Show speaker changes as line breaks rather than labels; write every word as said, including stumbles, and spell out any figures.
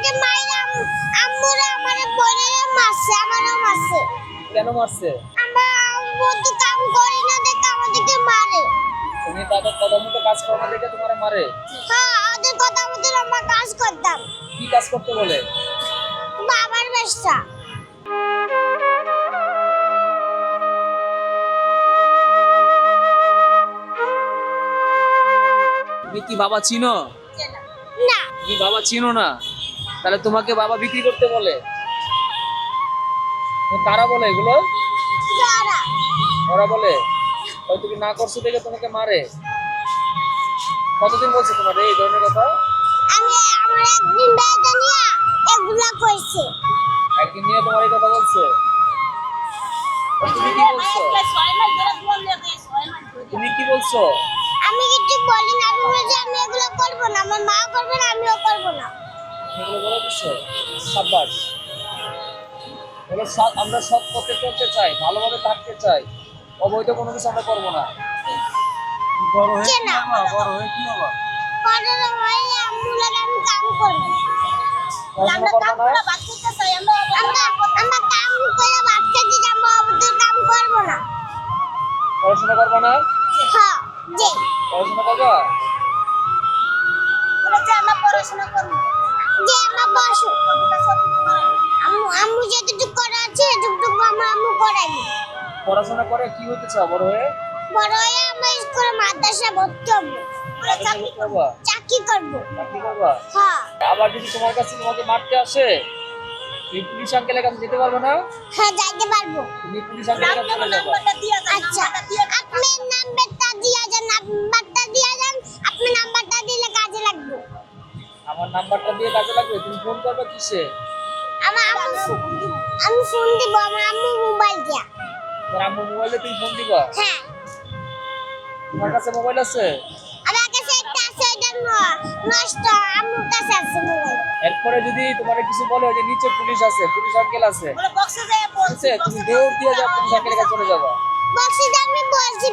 আমাকে মাইরাম আম্মুরা আমারে বইরে মারছে আমারও মারছে।
কেন মারছে?
আমরা বন্ধু কাম করি না দেখে আমাদেরকে মারে।
তুমি তাদের কথা মতো কাজ করো না দেখে তোমারে মারে?
হ্যাঁ ওদের কথা মতো আমরা কাজ করতাম।
কি কাজ করতে বলে?
বাবার ব্যবসা।
তুমি কি বাবা চিনো?
না
তুমি বাবা চিনো না, তাহলে তোমাকে বাবা বিক্রি করতে বলে? কারা বলে এগুলো?
যারা
ওরা বলে। তাহলে তুমি না করছো দেখে তোমাকে মারে? কতদিন বলছে তোমার এই ধরনের কথা?
আমি আমার একদিন বেটা নিয়ে এগুলা কইছে।
একদিন নিয়ে তোমার এই কথা বলছে? তুমি কি বলছো? তুমি কি বলছো?
আমি কিছু বলি না, আমি বলছি আমি এগুলো করব না, আমার মা করবে না আমিও করব না।
এগুলো বলে দিচ্ছো? সাব্বাস। বলো সৎ, আমরা সৎ পথে চলতে চাই, ভালোভাবে থাকতে চাই, অবৈধ কোনো কিছু আমরা করবো না। বড় হয়ে কি হবা? বড় হয়ে কি হবা?
পরের ভাই আম্মু লাগে আমি কাম করব।
পড়াশোনা করবো না?
আমরা আমরা কাম করে বাচ্চা দিয়ে যাবো, আমাদের কাম করব না।
পড়াশোনা করবো না?
হ্যাঁ জি
পড়াশোনা করবা?
বলেছে আমরা পড়াশোনা করব। যে আমরা বসু আম্মু আম্মু যেটুকু করা আছে এটুকু আমরা আম্মু করাইবো।
পড়াশোনা করে কি হতে চাও বড় হয়ে?
বড় হয়ে আমরা স্কুলে মাদ্রাসা ভর্তি হব,
চাকরি করবা?
চাকরি করব।
চাকরি করবা?
হ্যাঁ
আবার যদি তোমার কাছে তোমাকে মারতে আসে, তুমি পুলিশ আঙ্কেলের কাছে যেতে পারবে না?
হ্যাঁ যাইতে পারবো।
তুমি পুলিশ আঙ্কেলের কাছে চলে যাবা।
আচ্ছা আপনি নাম্বারটা দিয়া যান, নাম্বারটা দিয়া যান, আপনি নাম্বারটা দিলে কাজে লাগবে।
আমার নাম্বারটা দিয়ে কাজে লাগবে। তুমি ফোন করবে কিসে?
আমার আম্মু আমি ফোন দিব আমার আম্মু মোবাইল দিয়া।
তোমার আম্মু মোবাইলে তুমি ফোন দিবা?
হ্যাঁ
তোমার কাছে মোবাইল আছে?
আমার কাছে একটা আছে, এটা ন- নষ্ট, আম্মুর কাছে আছে মোবাইল।
এরপরে যদি তোমার কিছু বলে যে নিচে পুলিশ আছে, পুলিশ আঙ্কেল আছে,
বলে বক্সে যায়
ঠিক আছে, তুমি দৌড় দিয়ে যাও পুলিশ আঙ্কেলের কাছে চলে যাবা।
বক্সে আমি বলছি